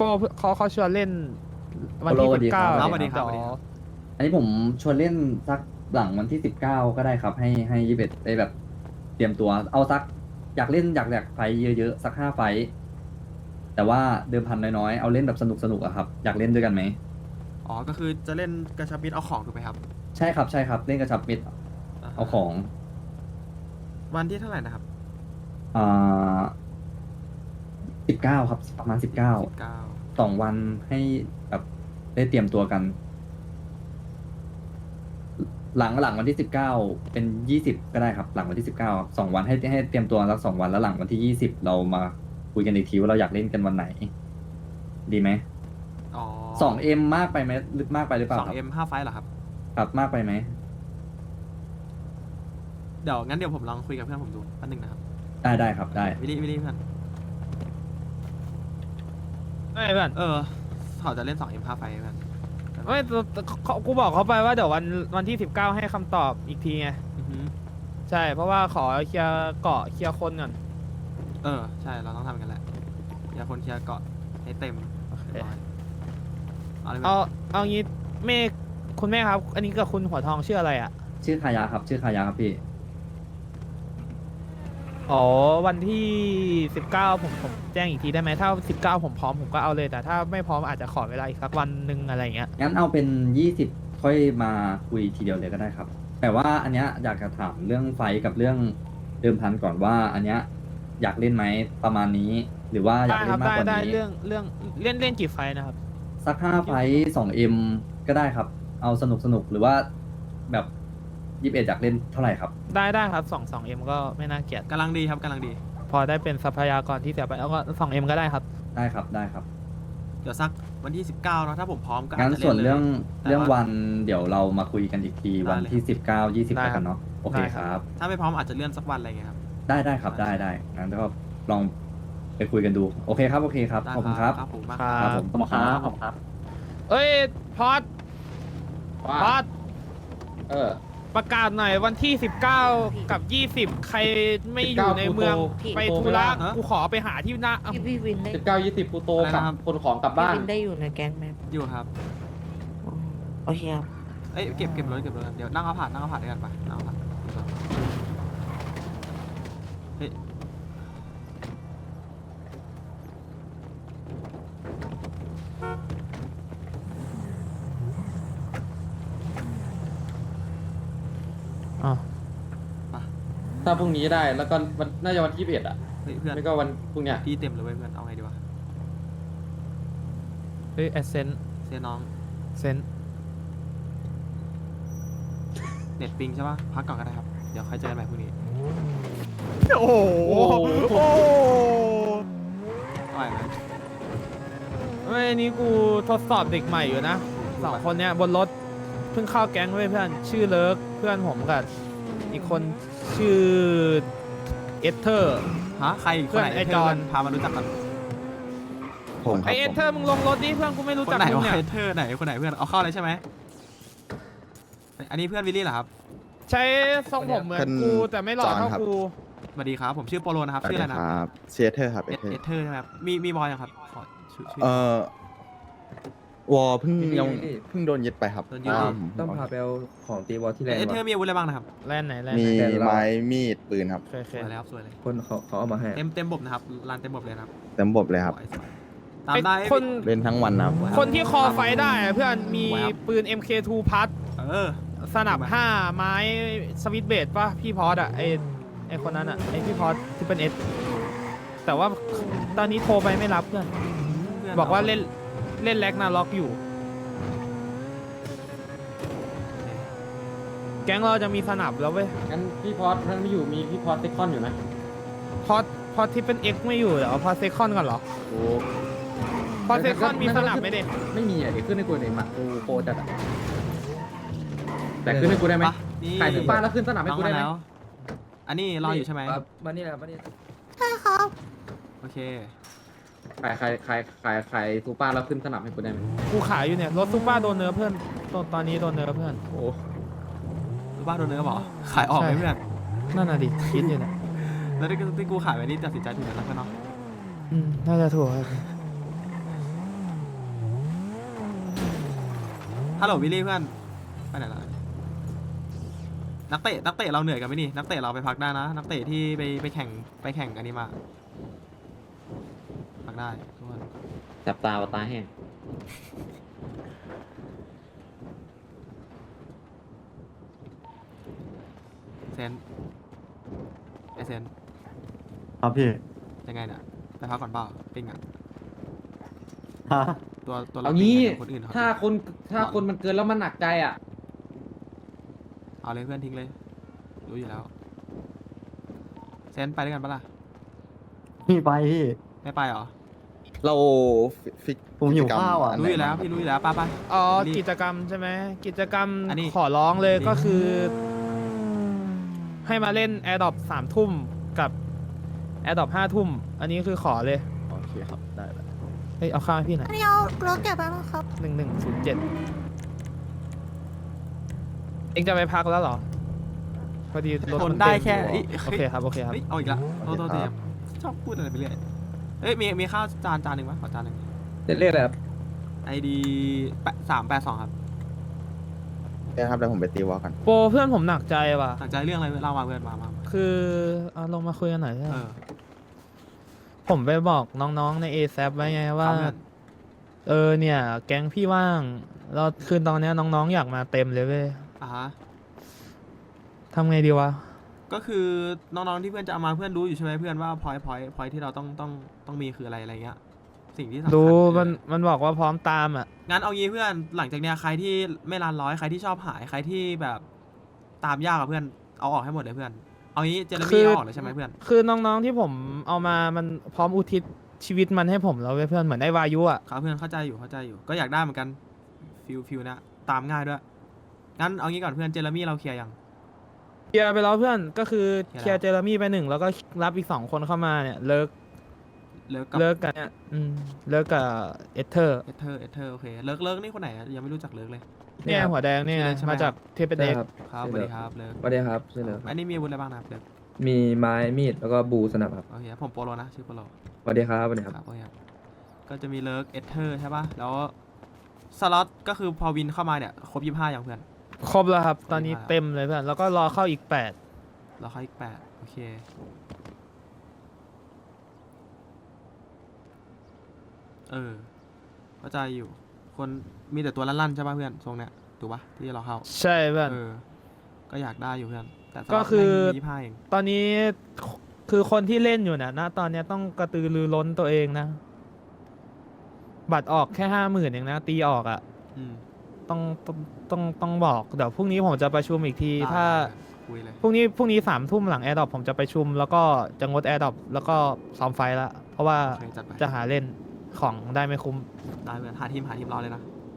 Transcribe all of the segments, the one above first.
โปเขาชวนเล่นวันที่โปโลสวัสดี 19 ครับสวัสดีครับเดี๋ยวอันนี้ผมชวนเล่นสักหลังวันที่19ก็ได้ครับให้21ได้แบบเตรียมตัวเอาสักอยากเล่นอยากไฟท์เยอะๆสัก5 ไฟท์แต่ว่าเดิมพันน้อยๆเอาเล่นแบบสนุกอะครับอยากเล่นด้วยกันไหมอ๋อก็คือจะเล่นกระชับมิตรเอาของถูกไหมครับใช่ครับใช่ครับเล่นกระชับมิตรเอาของวันที่เท่าไหร่นะครับอ่า19ครับประมาณ19 9 2 วันให้แบบได้เตรียมตัวกัน หลังวันที่19เป็น20ก็ได้ครับหลังวันที่192 วันให้เตรียมตัวสัก2 วันแล้วหลังวันที่20เรามาคุยกันอีกทีว่าเราอยากเล่นกันวันไหน ดีไหมอ๋อ 2M มากไปไหมลึกมากไปหรือเปล่าครับ 2M 5 ไฟล์เหรอครับครับมากไปไหมเดี๋ยวงั้นเดี๋ยวผมลองคุยกับเพื่อนผมดูแป๊บนึงนะครับได้ครับได้วิลลี่เพื่อนไม่เพื่อนเขาจะเล่น 2M 5 ไฟล์เพื่อนไม่กูบอกเขาไปว่าเดี๋ยววันที่19ให้คำตอบอีกทีไงอือฮึใช่เพราะว่าขอเคลียร์เกาะเคลียร์คนก่อนใช่เราต้องทำกันแหละอย่าคนเคลียร์เกาะให้เต็มเรียบร้อยเอาเลยไหมเอางี้เมฆคุณแม่ครับ อันนี้กับคุณหัวทองชื่ออะไรอ่ะชื่อคายาครับชื่อคายาครับพี่อ๋อวันที่19ผมแจ้งอีกทีได้ไหมถ้า19ผมพร้อมผมก็เอาเลยแต่ถ้าไม่พร้อมอาจจะขอเวลาอีกสักวันหนึ่งอะไรอย่างเงี้ยงั้นเอาเป็น20ค่อยมาคุยทีเดียวเลยก็ได้ครับ แต่ว่าอันเนี้ยอยากจะถามเรื่องไฟท์กับเรื่องเดิมพันก่อนว่า อันเนี้ยอยากเล่นไหมประมาณนี้ หรือว่าอยากเล่นมากกว่าได้นี้เรื่องเล่นกี่ไฟล์นะครับสัก5 ไฟท์2M ก็ได้ครับ เอาสนุกหรือว่าแบบ21อยากเล่นเท่าไหร่ครับได้ครับ2M ก็ไม่น่าเกลียดกำลังดีครับกำลังดีพอได้เป็นทรัพยากรที่เสียไปแล้วก็2M ก็ได้ครับได้ครับได้ครับเดี๋ยวสักวันที่ 19เนาะถ้าผมพร้อมก็อางั้จนจะส่วนล่ลยเรื่องแต่เรื่องว่าวันเดี๋ยวเรามาคุยกันอีกทีได้วันที่เลย 19 20 ได้แล้วครักับ นเนาะโอเคได้คครับรับถ้าไม่พร้อมอาจจะเลื่อนสักวันอะไรเงี้ยครับได้ครับได้งั้นก็ลองไปคุยกันดูโอเคครับขอบคุณครับครับผมมากครับครับผมขอบคุณครับเอ้ยพอดพอดเออประกาศหน่อยวันที่ 19 กับ 20 ใครไม่อยู่ในเมือง 19 ไปธุระฮะกูขอไปหาที่หน้าพี่วินได้ 19 20ปูโตอะไรกลับนะครับคนของกลับพี่บ้านวินได้อยู่ในแก๊งไหมอยู่ครับอ๋อโอเคครับเอ้ยเก็บรถกันเดี๋ยวนั่งเอาผ่านด้วยกันไปนั่งเอาผ่านเฮ้ยอ๋อถ้าพรุ่งนี้ได้แล้วก็วันน่าจะวันที่21อ่ะเฮ้ยเพื่อนไม่ก็วันพรุ่งเนี้ยพี่เต็มเลยเว้ยเพื่อนเอาไงดีวะเฮ้ยแอสเซนเสียน้องเซนเน็ตปิงใช่ปะพักก่อนก็ได้ครับเดี๋ยวค่อยเจอกันใหม่พรุ่งนี้โอ้โหโอ้เอาใหม่ไหมเฮ้ยนี่กูทดสอบเด็กใหม่อยู่นะ2 คนเนี้ยบนรถเพิ่งเข้าแก๊งเว้ยเพื่อนชื่อเลิกเพื่อนผมกับอีกคนชื่อเอสเธอร์ฮะใครอีกคนไหนเพื่อนไอ้จอนพามารู้จักกันผมคไอรับเอผสมเธอร์มึงลงรถดิเพื่อนกูไม่รู้คนจักไหนมึงวะเนี่ยเธอไหนคนไหนเพื่อนเอาเข้าเลยใช่ไหมอันนี้เพื่อนวิลลี่เหรอครับใช้ทรงผมเหมือนกูแต่ไม่หล่อเท่ากูสวัสดีครับผมชื่อโปโลนะครับสวัสชื่อดีอะไรนะครับเชเทอร์ครับเอเอเทอเธอร์ร์ใช่ไหมครับมีบอยยังครับขอชื่อวอลเพิ่งพี่ยังพี่เพิ่งโดนยึดไปครับโดนยึดต้องพาไปเอาของตีวอลที่แลนเอด์เธอร์ว่ะมีอาวุธอะไรบ้างนะครับแล่นไหนแล่นมีไหนไม้มีดปืนครับเคยสวยเลยครับสวยเลยคนเขาเอามาให้เต็มบบนะครับลานเต็มบบเลยนะครับเต็มบบเลยครับสวยตามได้คนเล่นทั้งวันนะครับคนที่คอไฟได้อะเพื่อนมีปืน MK2 พัด สนับ 5 ไม้สวิตช์เบสป่ะ พี่พอดอ่ะไอคนนั้นอ่ะ ไอพี่พอดที่เป็นเอสแต่ว่าตอนนี้โทรไปไม่รับเพื่อน บอกว่าเล่นแล็กนาล็อกอยู่ แก๊งเราจะมีสนับแล้วเว้ยงั้นพี่พอสท่านไม่อยู่มีพี่พอสเซคอนอยู่นะพอที่เป็น X ไม่อยู่เดี๋ยวพอเซคอนก่อนเหรอโอ้พอเซคอนมีสนับไหมเด็กไม่มีอ่ะเดี๋ยวขึ้นให้กูหน่อยหมัดกูโคจัดอ่ะแต่ขึ้นให้กูได้ไหมขายถึงบ้านแล้วขึ้นสนามให้น้องกูมาได้ไหมแล้ว อันนี้รออยู่ใช่ไหมครับมานี่แหละมานี่โอเคขายซูเปอร์แล้วขึ้นสนามให้กูได้ไหมกูขายอยู่เนี่ยรถซูเปอร์โดนเนื้อเพื่อนตอนนี้โดนเนื้อเพื่อนโอ้รู้บ้าโดนเนื้อบอกขายออกไหมใช่เพื่อนนั่นน่ะดิคิดอยู่เนี่ยแล้วที่กูขายไปนี่ตัดสินใจถูกแล้วเพื่อนเนาะน่าจะถูกครับฮัลโหลวิลลี่เพื่อนไปไหนแล้วนักเตะเราเหนื่อยกันไหมนี่นักเตะเราไปพักได้นะนักเตะที่ไปแข่งอันนี้มาพักได้ทุกคนจับตาตาแห้งเซนไอเซนครับพี่ยังไงเนี่ยไปพักก่อนเปล่าปิ้งอ่ะฮะตัวเราเอาปิ้งงี้ไงคนอื่นเขาถ้าคนมันเกินแล้วมันหนักใจอ่ะเอาเลยเพื่อนทิ้งเลยรู้อยู่แล้วเซนไปด้วยกันปะล่ะพี่ไปพี่ไม่ไปเหรอเราฟิกผมหิวกิจกรรข้าวอ่ะนรู้ไหนอยู่แล้วพี่รู้อยู่แล้วไปอ๋อรีบกิจกรรมใช่ไหมกิจกรรมอันนี้ขอร้องเลยนี่ก็คือ ให้มาเล่น a อ r d r o p 3 ทุ่มกับ a อ r d r o p 5 ทุ่ม อันนี้คือขอเลยโอเคครับ ได้แล้วเฮ้ย เอาข้าวให้พี่หน่อยอันนี้เอารถเก็บไว้มั้งครับ 1107 เองจะไปพักแล้วเหรอ พอดีรถทมัน นได้เต็มแค่อยู่เอ้ยโอเคครับ โอเคครับเฮ้ยเอาอีกแล้วโทษทีครับชอบพูดอะไรไปเรื่อยเอ้ยมีข้าวจานหนึ่งวะขอจานหนึ่งเรียกอะไรครับ ID 382ครับโอเคครับเดี๋ยวผมไปตีวอลกันโปรเพื่อนผมหนักใจว่ะตั้งใจเรื่องอะไรเล่ามาเพื่อนมาคือเอาลงมาคุยกันหน่อยเถเออะอผมไปบอกน้องๆใน ASAP ไว้ไงว่าเอาเพื่อนเนี่ย แก๊งพี่ว่างเราคืนตอนเนี้ยน้องๆอยากมาเต็มเลยเว้ยอ่ะฮะทำไงดีวะก็คือน้องๆที่เพื่อนจะเอามาเพื่อนรู้อยู่ใช่ไหมเพื่อนว่าพอยที่เราต้องมีคืออะไรเงี้ยสิ่งที่สำคัญดูคือมันบอกว่าพร้อมตามอ่ะงั้นเอางี้เพื่อนหลังจากเนี้ยใครที่ไม่รันร้อยใครที่ชอบหายใครที่แบบตามยากอะเพื่อนเอาออกให้หมดเลยเพื่อนเอางี้เจเรคืมี่อเอาออกเลยใช่ไหมเพื่อนคือน้องๆที่ผมเอามามันพร้อมอุทิศชีวิตมันให้ผมแล้วเว้ยเพื่อนเหมือนไอ้วายุอ่ะครับเพื่อนเข้าใจอยู่ก็อยากได้เหมือนกันฟิลนะตามง่ายด้วยงั้นเอางี้ก่อนเพื่อนเจเรมี่เราเคลียร์ยังเคลียร์ไปแล้วเพื่อนก็คือเคลียร์เคลียร์เจอร์มี่ไป1แล้วก็รับอีก2 คนเข้ามาเนี่ยเลิกเลิกกับเลิกกันเนี่ยเลิกกับเอเธอร์เอเธอร์โอเคเลิกนี่คนไหนอะยังไม่รู้จักเลิกเลยเนี่ยหัวแดงเนี่ยชื่อเลิกใช่ไหมมาจากเทปเป็นใช่เอกครับครับสวัสดีครับเลิกสวัสดีครับใช่เลยอันนี้มีอาวุธอะไรบ้างนะครับเลิกมีไม้มีดแล้วก็บูสนับครับโอเคผมโปโลนะชื่อโปโลสวัสดีครับสวัสดีครับครับโอเคครับก็จะมีเลิกเอเธอร์ใช่ป่ะแล้วสล็อตก็คือพอวินเข้ามาเนี่ยครบ25อย่างเพื่อนครบแล้วครับ ตอนนี้ครบแล้วเต็มเลยเพื่อนแล้วก็รอเข้าอีกเราเข้าอีก8โอเคเข้าใจอยู่คนมีแต่ตัวลั่นๆใช่ป่ะเพื่อนทรงเนี้ยถูกป่ะที่เราเข้า 8 ใช่เพื่อนก็อยากได้อยู่เพื่อนแต่สล็ก็ตคือแม่งมี25เองตอนนี้คือคนที่เล่นอยู่นะตอนเนี้ยต้องกระตือรือร้นตัวเองนะ บัตรออกแค่50,000เองนะ ตีออกอ่ะอืมต้องบอกเดี๋ยวพรุ่งนี้ผมจะประชุมอีกทีได้ถ้าคุยเลยพรุ่งนี้3 ทุ่มหลังแอร์ดรอปผมจะประชุม แล้วก็จะงดแอร์ดรอปแล้วก็ซ้อมไฟละเพราะว่าโอเคจัดไปจะหาเล่นของได้ไม่คุ้มได้เพื่อนหาทีมรอเลยนะ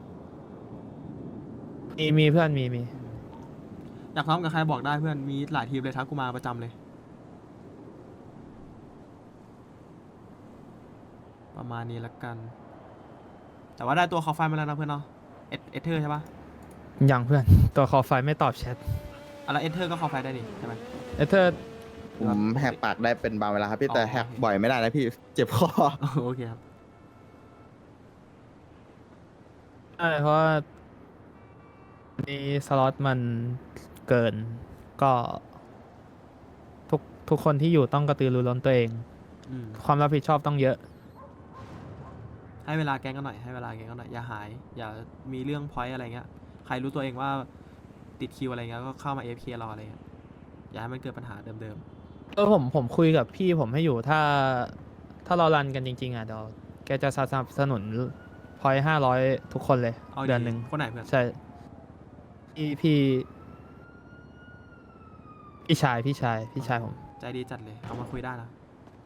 มีเพื่อนมีอยากพร้อมกับใครบอกได้เพื่อนมีหลายทีมเลยทักกูมาประจำเลย ประมาณนี้ละกัน แต่ว่าได้ตัวคอไฟมาแล้วนะเพื่อนเนาะเอเธอร์ใช่ปะอย่างเพื่อน ตัวคอไฟไม่ตอบแชทแล้วเอเธอร์ก็คอไฟได้ดิใช่ไหมเอเธอร์ผมแหกปากได้เป็นบางเวลาครับพี่อ๋อแต่แหกบ่อยไม่ได้นะพี่ เจ็บคอโอเคครับใช่เพราะว่ามีสล็อตมันเกิน ก็ทุกคนที่อยู่ต้องกระตือรือร้นตัวเองอืมความรับผิดชอบต้องเยอะให้เวลาแกงกันหน่อยอย่าหายอย่ามีเรื่องพอยต์อะไรเงี้ยใครรู้ตัวเองว่าติดคิวอะไรเงี้ยก็เข้ามา AFK รออะไรเงี้ยอย่าให้มันเกิดปัญหาเดิมผมคุยกับพี่ผมให้อยู่ถ้าเรารันกันจริง ๆอ่ะเดี๋ยวแกจะสนับสนุนพอย500 ทุกคนเลยๆเอาเดือนหนึ่งคนไหนเพื่อนใช่พี่ชายผมใจดีจัดเลยเอามาคุยได้นะ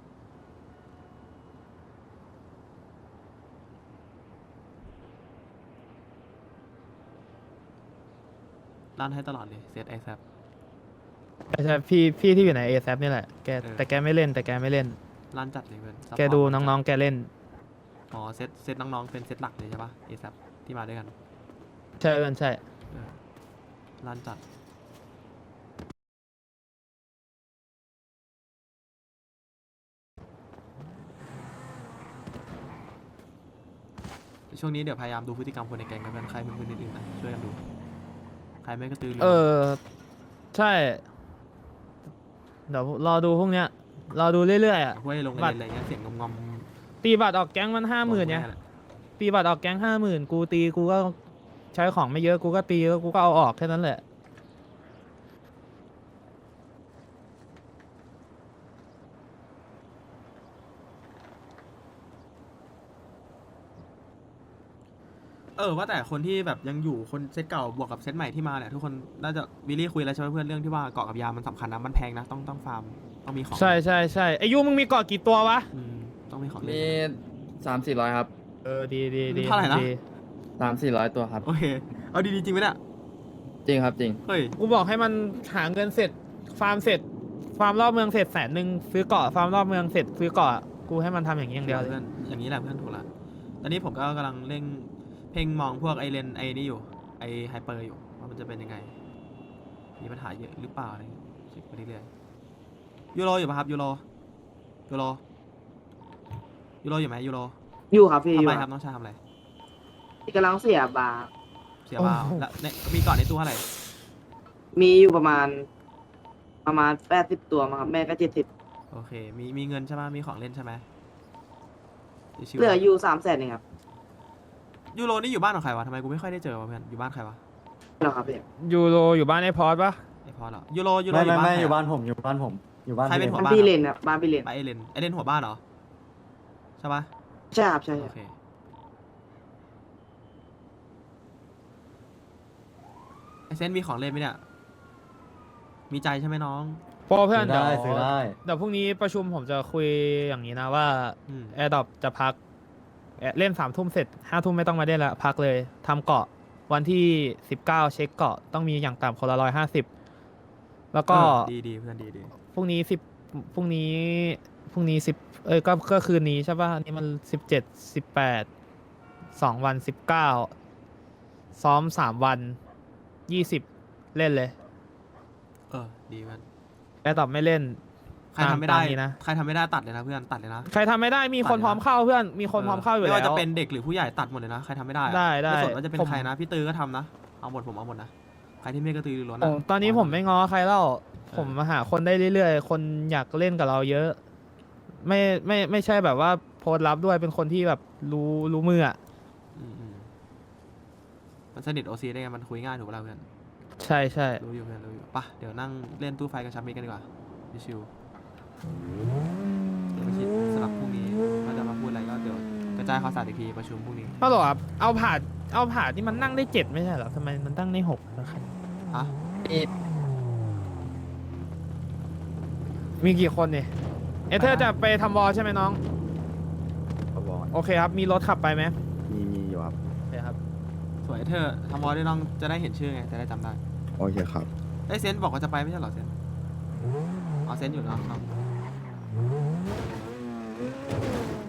ลั่นให้ตลอดเลยเซตไอแซปใช่พี่ที่อยู่ใน ASAP นี่แหละแกเออแต่แกไม่เล่นลั่นจัดเลยเพื่อนแกดูน้องๆแกเล่นๆอ๋อเซตน้องๆเป็นเซตหลักเลยใช่ปะไอแซปที่มาด้วยกันใช่เพื่อนใช่ลั่นจัดช่วงนี้เดี๋ยวพยายามดูพฤติกรรมคนในแก๊งกันใครเป็นคนอื่นๆนะช่วยกันดูใครไม่กระตือรือร้นใช่ เดี๋ยวรอดูพวกเนี้ย รอดูเรื่อยๆอ่ะห้วยลงบัเงิตรนอะไรเงี้ยเสียงงอมตีบัตรออกแก๊งมัน50,000เนี่ย ตีบัตรออกแก๊ง50,000 กูตีกูก็ใช้ของไม่เยอะกูก็ตีแล้วกูก็เอาออกแค่นั้นแหละว่าแต่คนที่แบบยังอยู่คนเซตเก่าบวกกับเซตใหม่ที่มาเนี่ยทุกคนน่าจะวิลลี่คุยแล้วใช่ไหมเพื่อนเรื่องที่ว่าเกาะกับยามันสำคัญนะมันแพงนะต้องฟาร์มต้องมีของใช่ใช่ใช่ไอยูมึงมีเกาะกี่ตัววะต้องมีของเล่มีน 300-400 ครับดีดีดีเท่าไหร่นะดี 300-400 ตัวครับโอเคเอาดีๆจริงไหมเนี่ยจริงครับจริงเฮ้ยกูบอกให้มันหาเงินเสร็จ ฟาร์มเสร็จ ฟาร์มรอบเมืองเสร็จ100,000ซื้อเกาะ ฟาร์มรอบเมืองเสร็จซื้อเกาะ กูให้มันทำอย่างนี้อย่างเดียวเลยเพื่อนอย่างนี้แหละเพื่อนถูกละตอนนี้ผมก็กำลังเร่งเพ่งมองพวกไอเลนไอนี่อยู่ไอไฮเปอร์อยู่ว่ามันจะเป็นยังไงมีปัญหาเยอะหรือเปล่าอะไรเงี้ยเช็คไปเรื่อยๆยูโรอยู่ปะครับยูโรอยู่ไหมยูโรอยู่ครับพี่ทำอยู่อะไรครับน้องชายทำอะไรกำลังเสียบาร์เสียบ้าแล้วเนี่ยมีก่อนในตู้เท่าไหร่มีอยู่ประมาณ80 ตัวมั้งครับแม่ก็70 โอเคมีเงินใช่ไหมมีของเล่นใช่ไหมชิวๆเหลืออยู่300,000เองครับยูโรนี่อยู่บ้านของใครวะทำไมกูไม่ค่อยได้เจอวะเพื่อนอยู่บ้านใครวะเหรอครับพี่ยูโรอยู่บ้านไอพอดปะไอพอเหรอยูโรไม่อยู่บ้านไม่ใครอยู่อะบ้านผมอยู่บ้านผมอยู่บ้านใครเป็นพี่หัวลบ้านพี่เลนครับบ้านพี่เลนไปไอเลนหัวบ้านเหรอใช่ปะใช่ครับใช่โอครับเคไอเซนมีของเล่นไหมเนี่ยมีใจใช่ไหมน้องพอเพื่อนซื้อเดี๋ยวได้ซื้อได้เดี๋ยวพรุ่งนี้ประชุมผมจะคุยอย่างนี้นะว่าอืมแอร์ดอปจะพักเล่น3 ทุ่มเสร็จ5 ทุ่มไม่ต้องมาเล่นละพักเลยทำเกาะวันที่19เช็คเกาะต้องมีอย่างต่ำคนละ150แล้วก็ดีเพื่อนดีพรุ่งนี้10พรุ่งนี้10ก็คืนนี้ใช่ป่ะอันนี้มัน17 18 2 วัน19ซ้อม3 วัน20เล่นเลยดีเพื่อนแอร์ดอปไม่เล่นใครทำไม่ได้ตามนี้นะใครทำไม่ได้ตัดเลยนะเพื่อนตัดเลยนะใครทำไม่ได้มีคนพร้อมเข้าเพื่อนมีคนพร้อมเข้าอยู่ไม่แล้วว่าจะเป็นเด็กหรือผู้ใหญ่ตัดหมดเลยนะใครทำไม่ได้อะได้ไม่สนว่าจะเป็นผมใครนะพี่ตือก็ทำนะเอาหมดผมเอาหมดนะใครที่ไม่กระตือรือร้นโอ้อะตอนนี้ผมไม่ง้อใครแล้วผมมาหาคนได้เรื่อยๆ คนอยากเล่นกับเราเยอะ ไม่ใช่แบบว่าโพสต์ลับด้วยเป็นคนที่แบบรู้มืออ่ะอืมมันสนิทโอซีได้ไงมันคุยง่ายถูกปะล่ะเพื่อนใช่ใช่รู้อยู่เพื่อนรู้อยู่ปะเดี๋ยวนั่งเล่นตู้ไฟกับชัมมิกันดีกว่าชิวๆเดี๋ยวไปคิดสลับพรุ่งนี้ว่าจะมาพูดอะไรก็เดี๋ยวกระจายข่าวสารอีกทีประชุมพรุ่งนี้ฮัลโหลครับเอาผ่าที่มันนั่งได้7ไม่ใช่เหรอทำไมมันตั้งได้6นะครับอะมีกี่คนเนี่ยเอเธอร์จะไปทำวอลใช่ไหมน้องครับบอลโอเคครับ มีรถขับไปไหมมีอยู่ครับโอเคครับสวยเธอทำวอลได้น้องจะได้เห็นชื่อไงจะได้จำได้โอเคครับไอ้ยเซนบอกว่าจะไปไม่ใช่เหรอเซนอ๋อเซนอยู่เนาะ